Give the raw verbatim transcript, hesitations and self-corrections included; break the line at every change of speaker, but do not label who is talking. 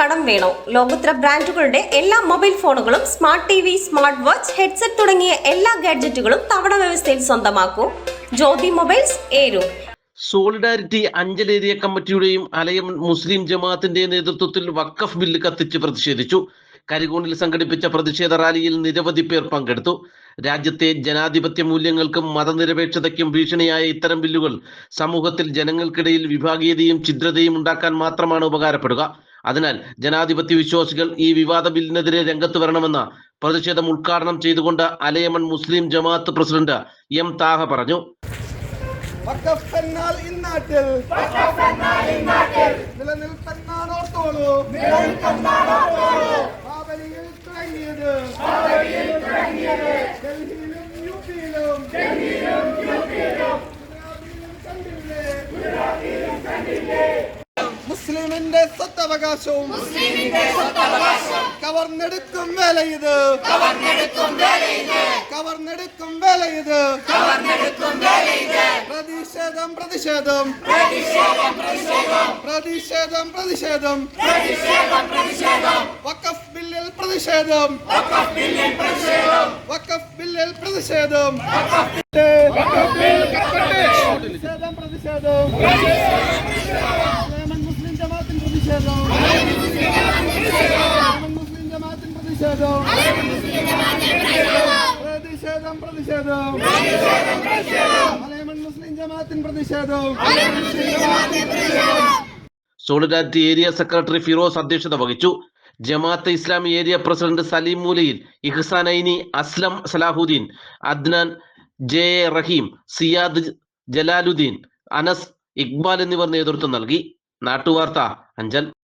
കടം വേണോ? ലോകോത്തര ബ്രാൻഡുകളുടെ എല്ലാ മൊബൈൽ ഫോണുകളും smart T V, smart watch, headset തുടങ്ങിയ എല്ലാ ഗാഡ്ജറ്റുകളും തവണ വ്യവസ്ഥയിൽ സ്വന്തമാക്കൂ. Jyothi mobiles, Eroor.
Solidarity Anchal area കമ്മിറ്റിയുടെയും അലയം മുസ്ലിം ജമാഅത്തിന്റെ നേതൃത്വത്തിൽ വഖഫ് ബില്ല് കത്തിച്ച് പ്രതിഷേധിച്ചു. കരികോണിൽ സംഘടിപ്പിച്ച പ്രതിഷേധ റാലിയിൽ നിരവധി പേർ പങ്കെടുത്തു. രാജ്യത്തെ ജനാധിപത്യ മൂല്യങ്ങൾക്കും മതനിരപേക്ഷതയ്ക്കും ഭീഷണിയായ ഇത്തരം ബില്ലുകൾ സമൂഹത്തിൽ ജനങ്ങൾക്കിടയിൽ വിഭാഗീയതയും ഛിദ്രതയും ഉണ്ടാക്കാൻ മാത്രമാണ് ഉപകാരപ്പെടുക. അതിനാൽ ജനാധിപത്യ വിശ്വാസികൾ ഈ വിവാദ ബില്ലിനെതിരെ രംഗത്ത് വരണമെന്ന പ്രതിഷേധം ഉദ്ഘാടനം ചെയ്തുകൊണ്ട് അലയമൺ മുസ്ലിം ജമാഅത്ത് പ്രസിഡന്റ് എം താഹ പറഞ്ഞു.
വഖഫ് എന്നാൽ ഇന്നാട്ടിൽ നിലനിൽപ്പെന്നാണോർത്തോളൂ. ബാബരിയിൽ തുടങ്ങിയത് ഡൽഹിയിലും യുപിയിലും കണ്ടില്ലേ? മുസ്ലിമിന്റെ സ്വത്തവകാശവും കവർന്നെടുക്കും വേല ഇത്, കവർന്നെടുക്കും വേല ഇത്. പ്രതിഷേധം പ്രതിഷേധം പ്രതിഷേധം പ്രതിഷേധം വഖഫ് ബില്ലിൽ പ്രതിഷേധം, വഖഫ് ബില്ലിൽ പ്രതിഷേധം, പ്രതിഷേധം പ്രതിഷേധം മുസ്ലിം ജമാഅത്തിൻ പ്രതിഷേധം, മുസ്ലിം ജമാഅത്തിൻ പ്രതിഷേധം, പ്രതിഷേധം പ്രതിഷേധം മുസ്ലിം ജമാഅത്തിൻ പ്രതിഷേധം.
സോളിഡാരിറ്റി ഏരിയ സെക്രട്ടറി ഫിറോസ് അധ്യക്ഷത വഹിച്ചു. Jamaate Islami area president Saleem Moolayil, Ihsan Aini, Aslam Salahuddin, Adnan, J A Rahim, Siyad Jalaluddin, Anas, Iqbal എന്നിവർ നേതൃത്വം നൽകി. നാട്ടുവാർത്ത, അഞ്ചൽ.